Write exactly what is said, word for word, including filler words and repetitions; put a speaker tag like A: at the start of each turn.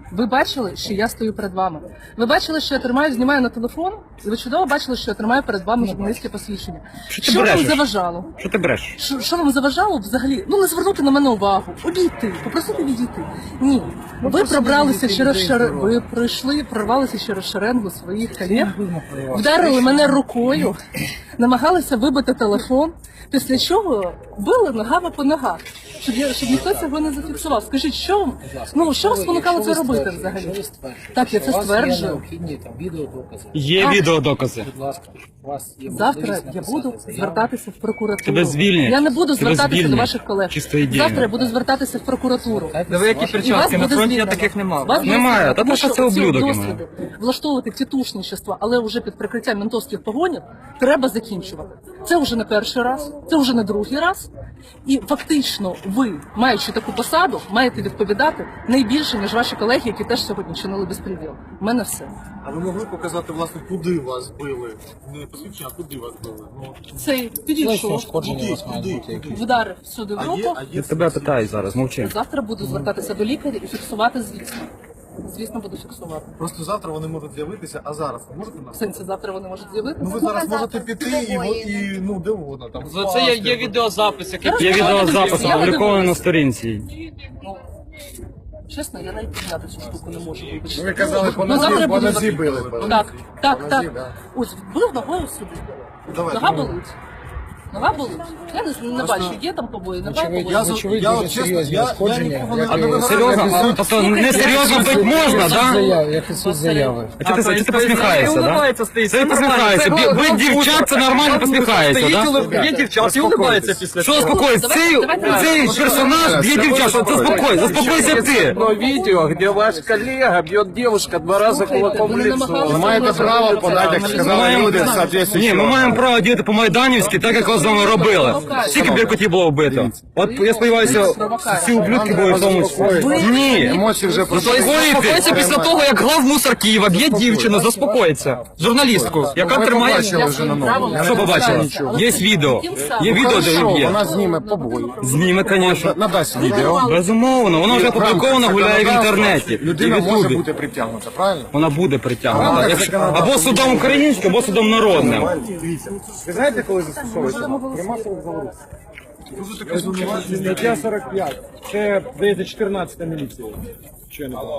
A: Ви бачили, що я стою перед вами. Ви бачили, що я тримаю, знімаю на телефон, і ви чудово бачили, що я тримаю перед вами журналістське посвідчення.
B: Що ти
A: Що вам
B: брешеш?
A: заважало?
B: Що ти бреш?
A: Що, що вам заважало взагалі? Ну не звернути на мене увагу, обійти, попросити відійти. Ні, ви пробралися через шер... ви пройшли, прорвалися через шеренгу своїх колег, вдарили мене рукою, намагалися вибити телефон, після чого били ногами по ногах, щоб я щоб ніхто цього не зафіксував. Скажіть, що ну що вас спонукало це робити взагалі? Так, я це стверджую.
C: необхідні там відеодокази.
B: Є
A: А.
B: відеодокази.
C: Будь ласка, у вас є
A: Завтра
C: можливість
A: я
C: написати
A: буду
C: заяву.
A: звертатися в прокуратуру.
B: Тебе звільнять.
A: Я не буду
B: Тебе
A: звертатися
B: звільнять.
A: до ваших колег.
B: Чисто ідейно.
A: Завтра я буду звертатися в прокуратуру.
D: Диви, які
A: І вас
D: перчатки, на
A: буде
D: фронті я
A: звільнено.
D: таких не мав.
A: Вас буде
B: Немає,
A: звільнено,
B: та
A: тому
B: що це
A: що ці
B: ублюдок
A: досліди влаштовувати тітушничество, але вже під прикриттям ментовських погонів, треба закінчувати. Це вже не перший раз, це вже не другий раз. І фактично ви, маючи таку посаду, маєте відповідати найбільше, ніж ваші колеги, які теж сьогодні чинили безпреділ. У мене все.
E: А ви могли показати, власне, куди вас били? Не посвідчення, а куди вас били? Ну,
A: Цей
C: Тілесні
A: підійшов,
C: ушкодження у вас мають
E: куди,
C: бути.
E: куди?
A: вдарив сюди в
E: А є,
A: руку.
E: а є
B: Я тебе питаю зараз, мовчи.
A: Завтра буду звертатися до лікаря і фіксувати, звісно. Звісно, буду фіксувати.
E: Просто завтра вони можуть з'явитися, а зараз ви можете
A: В
E: нас?
A: сенсі, завтра вони можуть з'явитися.
E: Ну ви зараз можете піти і, во- і ну де угодно там.
D: За це є, є відеозапис, який
B: Є відеозапис
A: Я
B: опублікований на сторінці.
A: Ну, чесно, я навіть підняти цю штуку не можу. вибачте.
E: Ви казали, по
A: Ну, завтра
E: нозі,
A: я
E: по
A: буду
E: нозі
A: звер-
E: били. били.
A: Так, так,
E: По
A: так.
E: нозі, да.
A: Ось, бив ногою сюди.
E: Давайте,
A: Нога
E: ну.
A: болить. Нога болить. Я не, не бачу, є там побої, немає
C: Очевидно,
A: побої.
E: Я,
C: очевидно,
E: я
C: дуже
E: от чесно,
C: серйозні
E: я, я
C: ушкодження,
E: нікого не
C: як
E: а
C: і-
E: ви зараз-
B: Серйозно? А, тобто не серйозно бить можна, да?
C: Заяв, як і суть заяви.
B: А чого ти, ти посміхаєшся, да? Ти посміхаєшся. Бі- Бить дівчат, це нормально посміхаєшся, да?
D: Є дівчат і улибається після
B: Що
D: цього.
B: успокойся? Цей, цей персонаж б'є дівчат, заспокой, заспокойся ти.
F: Одно видео, где ваш коллега бьет девушка два раза кулаком в
A: Вони
F: лицо.
A: намагалися
E: Ви маєте право подати, як сказали люди,
B: Ні,
E: соответствуючи.
B: ми маємо право діяти по-майданівськи, так як з вами робили. Скільки біркотів було вбито? От я сподіваюся, всі ублюдки були в тому числі. Ні.
E: Емоції вже
D: Заспокоїться після того, як глав мусор Києва б'є дівчину, заспокоїться. Журналістку, яка тримає...
E: побачили вже на новому.
B: Що побачили? Є відео. Є відео, де він б'є.
E: Вона зніме побої.
B: Зніме, звісно.
E: Надасть відео.
B: Безумовно, воно вже опубліковано, гуляє в інтернеті. І
E: Людина
B: в
E: може
B: Ютубі.
E: бути притягнута, правильно?
B: Вона буде притягнута. Якщо- Або судом українським, або судом народним.
E: Ви знаєте, коли застосовується? При масових заворушеннях.
F: Стаття сорок п'ять. Це, здається, чотирнадцята міліція. Чи не